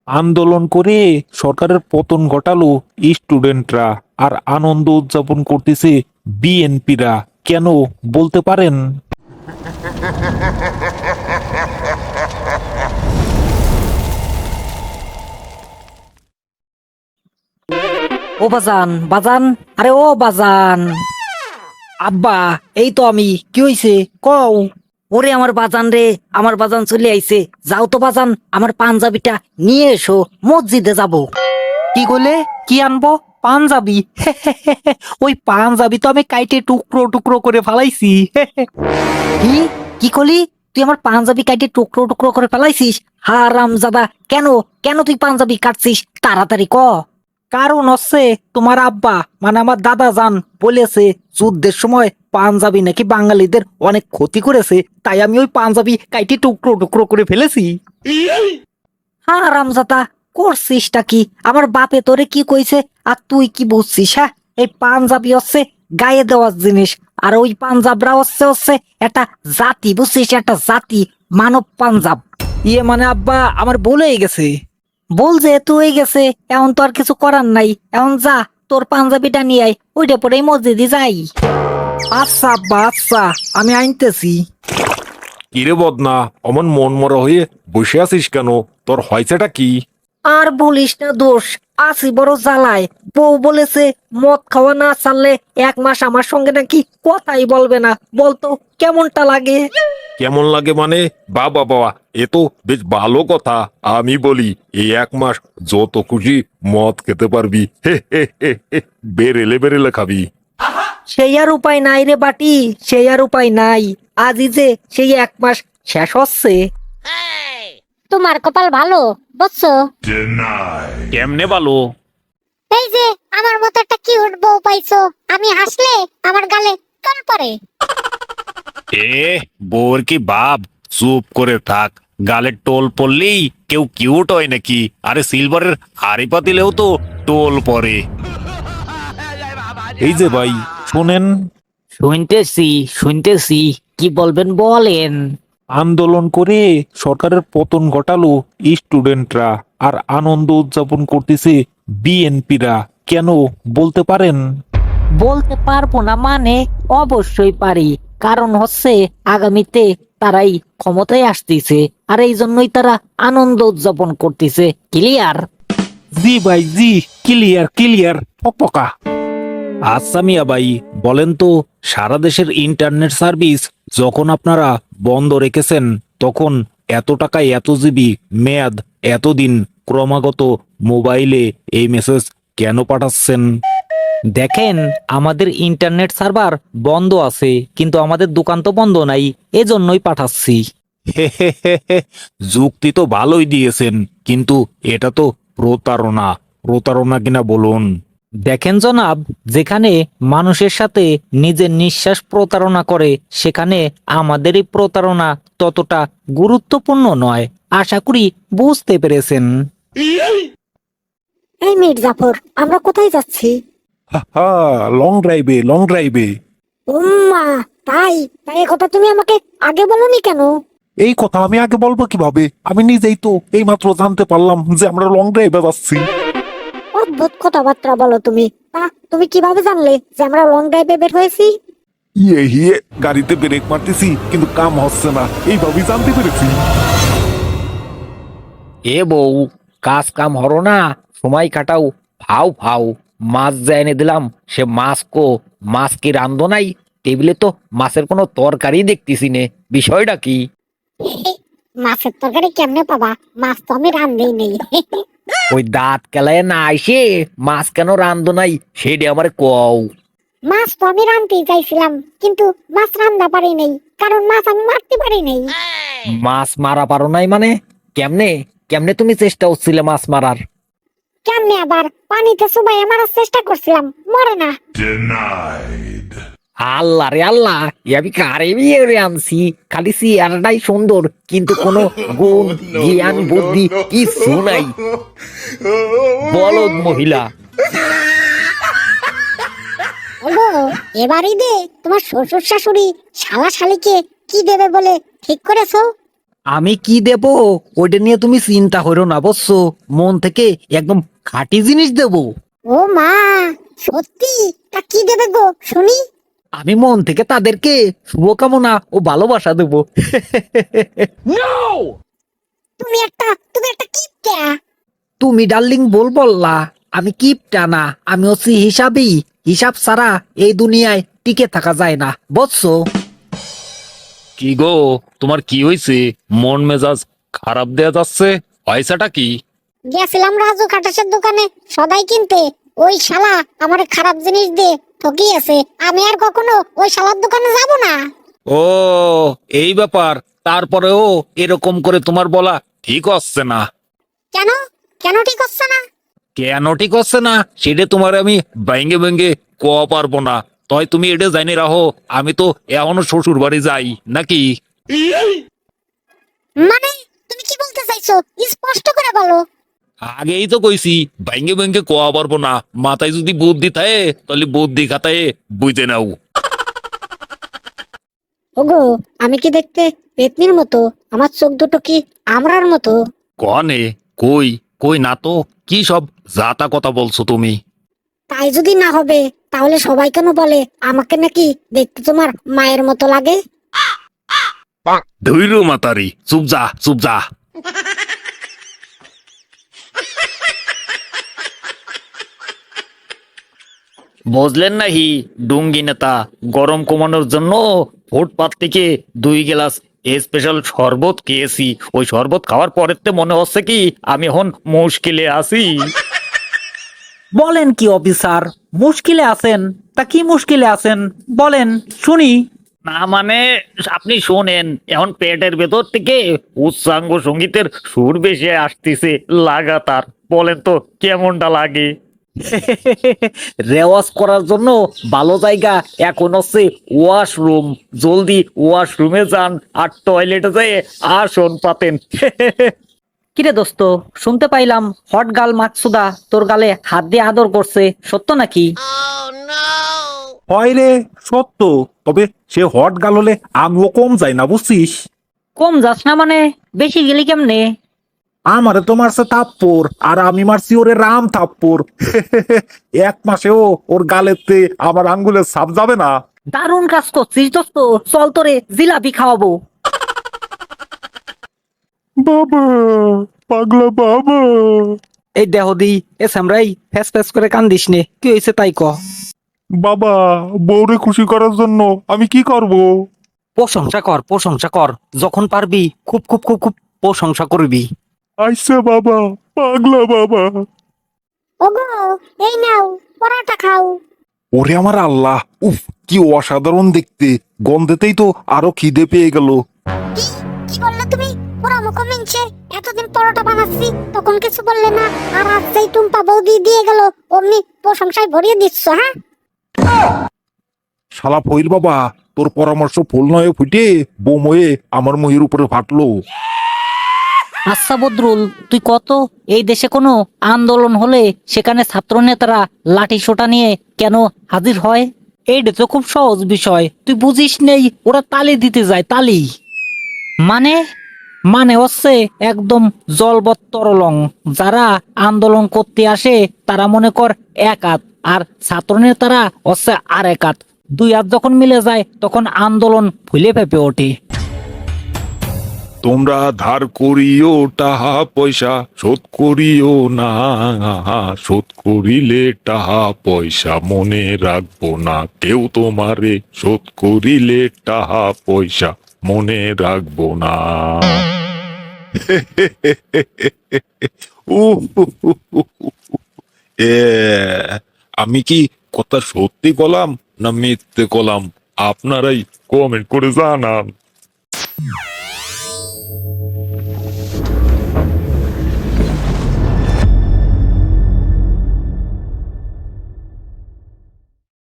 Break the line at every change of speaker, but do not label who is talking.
আন্দোলন করে সরকারের পতন ঘটালো স্টুডেন্টরা, আর আনন্দ উদযাপন করতেছে বিএনপিরা। কেন বলতে পারেন?
ও বাজান বাজান, আরে ও বাজান। আব্বা, এই তো আমি। কি হইছে কও? ওরে আমার বাজান রে, আমার বাজান চলে আইছে। যাও তো বাজান, আমার পাঞ্জাবিটা নিয়ে এসো, মসজিদে যাব। কি কইলে? কি আনবো? পাঞ্জাবি? ওই পাঞ্জাবি তো আমি কাইটে টুকরো টুকরো করে ফালাইছি। কি কি কলি? তুই আমার পাঞ্জাবি কাইটে টুকরো টুকরো করে ফেলাইছিস? হারামজাদা! কেন কেন তুই পাঞ্জাবি কাটছিস? তাড়াতাড়ি ক। কারণ হচ্ছে তোমার আব্বা মানে আমার দাদা জান বলেছে যুদ্ধের সময় পাঞ্জাবি নাকি বাঙালিদের অনেক ক্ষতি করেছে, তাই আমি ওই পাঞ্জাবি কাইটে টুকরো টুকরো করে ফেলেছি। হ্যাঁ রামজাদা, করছিসটা কি? আমার বাপে তোরে কি কইছে আর তুই কি বুঝছিস? হ্যাঁ, এই পাঞ্জাবি হচ্ছে গায়ে দেওয়ার জিনিস, আর ওই পাঞ্জাবরা হচ্ছে হচ্ছে একটা জাতি, বুঝছিস? একটা জাতি, মানব পাঞ্জাব। ইয়ে মানে আব্বা আমার ভুলেই গেছে। বল যেহেতু হয়ে গেছে, এখন তো আর কিছু করার নাই। এখন যা, তোর পাঞ্জাবিটা নিয়ে আয়, ওইটা পরেই মসজিদে যাই। আচ্ছা আব্বা, আচ্ছা, আমি আনতেছি।
কিরে বদনা, অমন মন মরা হয়ে বসে আছিস কেন? তোর হয়েছেটা কি?
আর বলিস না দোষ, আছি বড় জ্বালায়। বউ বলেছে মদ খাওয়া না ছাড়লে 1 মাস আমার সঙ্গে নাকি কথাই বলবে না। বলতো কেমনটা লাগে?
কেমন লাগে মানে? বাবা বাবা, এ তো বেশ ভালো কথা। আমি বলি, এই 1 মাস যত খুশি মদ খেতে পারবি। হে হে হে হে, বেরেলে বেরেলে খাবি।
সেই আর উপায় নাই রে বাটি, সেই আর উপায় নাই। আজই যে সেই 1 মাস শেষ হচ্ছে।
তোমার কপাল ভালো, বুঝছো?
কেমনে ভালো?
এই যে আমার মতো একটা কিউট বউ পাইছো, আমি হাসলে আমার গালে টল পড়ে।
এ বোর কি বাপ, চুপ করে থাক। গালে টোল পড়লেই কেউ কিউট হয় নাকি? আরে সিলভারের হাড়ি পাতিলেও তো টোল পড়ে। এই যে ভাই, শোনেন।
শুনতেছি শুনতেছি, কি বলবেন বলেন।
আন্দোলন করে সরকারের পতন ঘটালো স্টুডেন্টরা, আর আনন্দ উদযাপন করতেছে বিএনপিরা। কেন বলতে পারেন?
বলতে পারবো না মানে? অবশ্যই পারি। কারণ হচ্ছে আগামীতে তারাই ক্ষমতায় আসতেছে, আর এই জন্যই তারা আনন্দ উদযাপন করতেছে। ক্লিয়ার?
জি ভাই জি, ক্লিয়ার ক্লিয়ার পকা। আচ্ছা মিয়া ভাই, বলেন তো, সারা দেশের ইন্টারনেট সার্ভিস যখন আপনারা বন্ধ রেখেছেন, তখন এত টাকায় এত জিবি মেয়াদ, এতদিন ক্রমাগত মোবাইলে এই মেসেজ কেন পাঠাচ্ছেন?
দেখেন, আমাদের ইন্টারনেট সার্ভার বন্ধ আছে, কিন্তু আমাদের দোকান তো বন্ধ নাই, এজন্যই পাঠাচ্ছি।
হে হে হে হে, যুক্তি তো ভালোই দিয়েছেন, কিন্তু এটা তো প্রতারণা। প্রতারণা কিনা বলুন?
দেখেন জনাব, যেখানে মানুষের সাথে নিজের নিঃশ্বাস প্রতারণা করে, সেখানে আমাদের এই প্রতারণা ততটা গুরুত্বপূর্ণ নয়। আশা করি বুঝতে পেরেছেন।
এই মির্জাফর, আমরা কোথায় যাচ্ছি?
হা, লং ড্রাইভে লং ড্রাইভে।
উম্মা, তাই তাই এ কথা তুমি আমাকে আগে বলনি কেন?
এই কথা আমি আগে বলবো কিভাবে? আমি নিজেই তো এইমাত্র জানতে পারলাম যে আমরা লং ড্রাইভে যাচ্ছি।
অদ্ভুত কথাবার্তা বলো তুমি। তা তুমি কিভাবে জানলে যে আমরা লং ড্রাইভে বের হয়েছি?
ইয়ে হিয়ে, গাড়িতে ব্রেক মারতেছি কিন্তু কাম হচ্ছে না, এইভাবেই জানতে পেরেছি।
এ বউ, কাজ কাম হরো না, সময় কাটাও। ফাও ফাও, মাছ যা এনে দিলাম, সে মাছ কো? মাছ কি রান্ধো নাই? টেবিলে তো মাছের কোনো তরকারি দেখতেছি নে, বিষয়টা কি?
মাছের তরকারি কেমনে পাবা? মাছ তো আমি রান্ধেই নেই।
ওই দাঁত কেলায় না আইসে মাছ কেন রান্ধো নাই সেটা আমার কও।
মাছ তো আমি রান্ধতেই চাইছিলাম, কিন্তু মাছ রান্ধা পারি নাই, কারণ মাছ আমি মারতে পারি নাই।
মাছ মারা পারো নাই মানে? কেমনে কেমনে তুমি চেষ্টা হচ্ছিলে মাছ মারার?
কেমনে আবার? পানিতে চুবাইয়া মারার চেষ্টা করছিলাম, মরে না।
আল্লাহ রে আল্লাহ, এ আমি কারে বিয়ে রে আনছি? খালি চেহারাটাই সুন্দর, কিন্তু কোনো গুণ, জ্ঞান, বুদ্ধি কিছু নাই। বলদ মহিলা।
ওগো, এবারই দে তোমার শ্বশুর শাশুড়ি শালা শালিকে কি দেবে বলে ঠিক করেছো?
আমি কি দেব ওইটা নিয়ে তুমি চিন্তা করো না, বুঝছো? মন থেকে একদম খাঁটি জিনিস দেব।
ও মা, সত্যি? তা কি দেবে গো শুনি?
আমি মন থেকে তাদেরকে শুভকামনা ও ভালোবাসা দেব।
তুমি একটা কিপটা।
তুমি ডার্লিং বল বললা, আমি কিপটা না, আমি হচ্ছি হিসাবই। হিসাব ছাড়া এই দুনিয়ায় টিকে থাকা যায় না, বুঝছো?
কি গো, তোমার কি হয়েছে? মন মেজাজ খারাপ দেয়া যাচ্ছে, পয়সাটা কি?
গেছিলাম রাজু খাটাসের দোকানে সদাই কিনতে। ওই শালা আমার খারাপ জিনিস দিয়ে ঠকিয়েছে। আমি আর কখনো ওই শালার দোকানে যাব না।
ও, এই ব্যাপার। তারপরেও এরকম করে তোমার বলা ঠিক হচ্ছে না।
কেন? কেন ঠিক হচ্ছে না?
কেন ঠিক হচ্ছে না সেটা তোমার আমি ভেঙ্গে ভেঙ্গে কোয়া পারবো না। তাই তুমি এটা জানি রাখো, আমি তো এখনো শ্বশুর বাড়ি যাই নাকি।
মানে তুমি কি বলতে চাইছো? স্পষ্ট করে বলো।
আগেই তো কইছি ভেঙ্গে ভেঙ্গে কোয়া পারবো না। মাথায় যদি বুদ্ধি থাকে তাহলে বুদ্ধি খাতায় বুঝে নাও।
ওগো, আমি কি দেখতে পেতনির মতো? আমার চোখ দুটো কি আমরার মতো?
কনে? কই কই না তো। কি সব জাতা কথা বলছো তুমি?
তাই যদি না হবে তাহলে সবাই কেন বলে আমাকে নাকি দেখতে তোমার মায়ের মতো লাগে?
ধৈর্য মাতারি, চুপ যা চুপ যা। বুঝলেন নাহি ডুঙ্গি নেতা, গরম কমানোর জন্য ফুটপাত থেকে 2 গ্লাস স্পেশাল শরবত খেয়েছি। ওই শরবত খাওয়ার পরের তে মনে হচ্ছে কি আমি এখন মুশকিলে আছি।
বলেন কি অফিসার, মুশকিলে আছেন? তা কি মুশকিলে আছেন বলেন শুনি।
না মানে, আপনি শোনেন, এখন পেটের ভেতর থেকে উচ্চাঙ্গ সঙ্গীতের সুর বেশি আসতেছে লাগাতার। বলেন তো কেমনটা লাগে?
রেওয়াজ করার জন্য ভালো জায়গা এখন হচ্ছে ওয়াশরুম। জলদি ওয়াশরুমে যান আর টয়লেটে যেয়ে আসন পাতেন। কিরে দোস্ত, শুনতে পাইলাম হট গাল মাকসুদা তোর গালে হাত দিয়ে আদর করছে, সত্য নাকি?
হয় রে, সত্য। তবে সে হট গাল হলে আমিও কম যাই না, বুঝছিস?
কম যাস না মানে? বেশি গেলি কেমনে?
আমারে তো মারছে থাপ্পড়, আর আমি মারছি ওরে রাম থাপ্পড়। এক মাসেও ওর গালেতে আমার আঙ্গুলের ছাপ যাবে না।
দারুণ কাজ করছিস দোস্ত, চল তোরে জিলাপি খাওয়াবো।
বাবা, পাগলা বাবা।
এই দেহ দি এ সামরাই ফ্যাস ফ্যাস করে কান্দিস নে, কি হয়েছে তাই ক।
বাবা, বউরে খুশি করার জন্য আমি কি করব?
প্রশংসা কর প্রশংসা কর, যখন পারবি খুব খুব খুব খুব প্রশংসা করবি।
আইসা বাবা, পাগলা বাবা।
ওগো, এই নাও পরোটা খাও।
ওরে আমার আল্লাহ, উফ, কি অসাধারণ দেখতে। গন্ধেতেই তো আরো খিদে পেয়ে গেল।
কি? কি বললে তুমি? পুরো মুখ মিনছে। এতদিন পরোটা বানাচ্ছি তখন কিছু বললে না, আর আজ যেই টুম্পা বৌদি দিয়ে গেল অমনি প্রশংসায় ভরিয়ে দিচ্ছ, হ্যাঁ?
শালা ফইল বাবা, তোর পরামর্শ ফুল নয় ফুটে বোম হয়ে আমার মহির উপরে ফাটলো।
আচ্ছা বদরুল, তুই কত, এই দেশে কোনো আন্দোলন হলে সেখানে ছাত্র নেতারা লাঠি সোটা নিয়ে কেন হাজির হয়? এইটা তো খুব সহজ বিষয়, তুই বুঝিস নেই? ওরা তালি দিতে যায়, তালি। মানে মানে হচ্ছে একদম জলবত্তরলং। যারা আন্দোলন করতে আসে তারা মনে কর এক হাত, আর ছাত্র নেতারা হচ্ছে আর এক হাত। 2 হাত যখন মিলে যায় তখন আন্দোলন ফুলে ফেপে ওঠে।
তোমরা ধার করিও টাহা পয়সা, শোধ করিও না। শোধ করিলে টাহা পয়সা মনে রাখবো না কেউ তোমারে। শোধ করিলে টাহা পয়সা মনে রাখবো না। উহ, এ, আমি কি কথা সত্যি কলাম না মিথ্যে কলাম? আপনারাই কমেন্ট করে জানান।